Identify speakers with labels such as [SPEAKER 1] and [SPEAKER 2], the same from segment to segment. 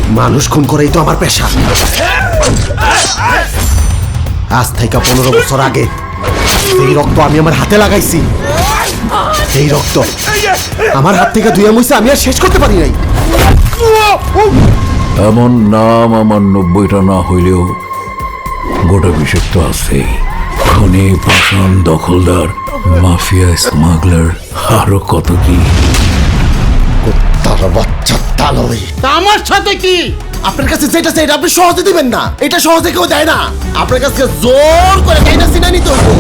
[SPEAKER 1] মানুষ খুন করেই তো আমার পেশা। আজ থেকে 15 বছর আগে এই রক্ত আমি আমার হাতে লাগাইছি। এই রক্ত আমার হাত থেকে ধুয়ে মুছে আমি আর শেষ করতে পারি নাই।
[SPEAKER 2] এমন নাম আমার 90টা না হইলেও গোটা বিশেষ তো আছে। খনি, পাষাণ, দখলদার, মাফিয়া, স্মাগলার, আরো কত কি।
[SPEAKER 1] তার বাচ্চা তালই।
[SPEAKER 3] আমার সাথে কি?
[SPEAKER 1] আপনার কাছে যেটা চাই আপনি সহজে দিবেন না। এটা সহজে কেউ দেয় না। আপনার কাছে জোর করে তাই না সিনা নিতে হইব।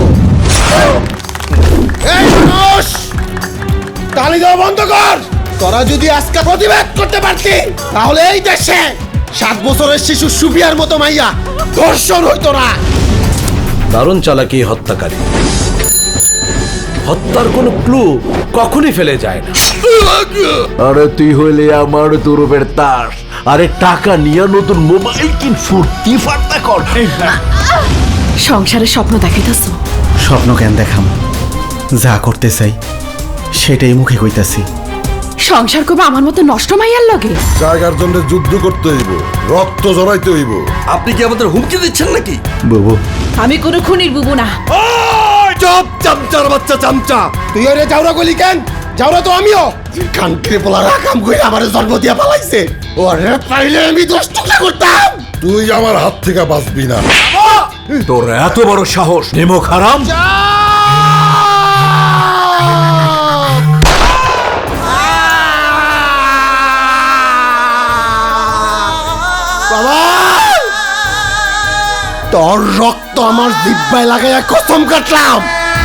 [SPEAKER 1] এই মানুষ, তালি দেওয়া বন্ধ কর। তোরা যদি আজকে প্রতিবাদ করতে পারতি তাহলে এই দেশে 7 বছরের শিশু সুফিয়ার মতো মাইয়া ধর্ষণ হইতো না।
[SPEAKER 4] দারুণ চালাকি হত্যাকারী। হত্যার কোনো ক্লু কখনই ফেলে যায় না।
[SPEAKER 2] আরে তুই হইলে আমার তুরুপের তাস। আরে টাকা নিয়ে নতুন মোবাইল কিন, ফুর্তি ফার্তা কর।
[SPEAKER 5] সংসারের স্বপ্ন দেখাইতেছ?
[SPEAKER 1] স্বপ্ন কেন দেখাম, যা করতে চাই সেটাই মুখে কইতাছি।
[SPEAKER 5] সংসার করবে আমার মতো নষ্ট মাইয়ার লগে?
[SPEAKER 6] জায়গার জন্য যুদ্ধ করতে হইব, রক্ত জড়াইতে হইব।
[SPEAKER 4] আপনি কি আমাদের হুমকি দিচ্ছেন নাকি?
[SPEAKER 1] বুবু,
[SPEAKER 5] আমি কোনো খুনির বুবু না।
[SPEAKER 1] চুপ, চামচার বাচ্চা চামচা। তুই ওরে যাওরা গলি কেন? যাওরা তো আমিও। কান্ট্রি পোলারা কাম কইরা আমারে জন্ম দিয়া পালাইছে। ওরে পাইলে আমি 10 টুকরা করতাম।
[SPEAKER 6] তুই আমার হাত থেকে বাঁচবি না।
[SPEAKER 2] তোর এত বড় সাহস, নিমক হারাম!
[SPEAKER 1] বাবা, তোর রক্ত আমার জিহ্বায় লাগাইয়া কসম কাটলাম।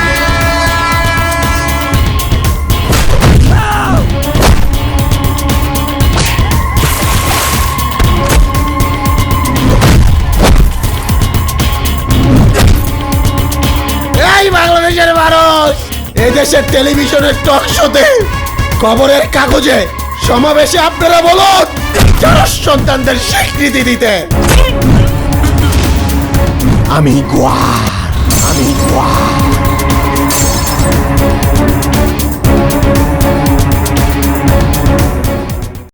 [SPEAKER 1] এই বাংলাদেশের মানুষ, এই দেশের টেলিভিশনের টক শোতে, খবরের কাগজে, সমাবেশে আপনারা বলুন যারা সন্তানদের স্বীকৃতি দিতে। আমি গোয়ার।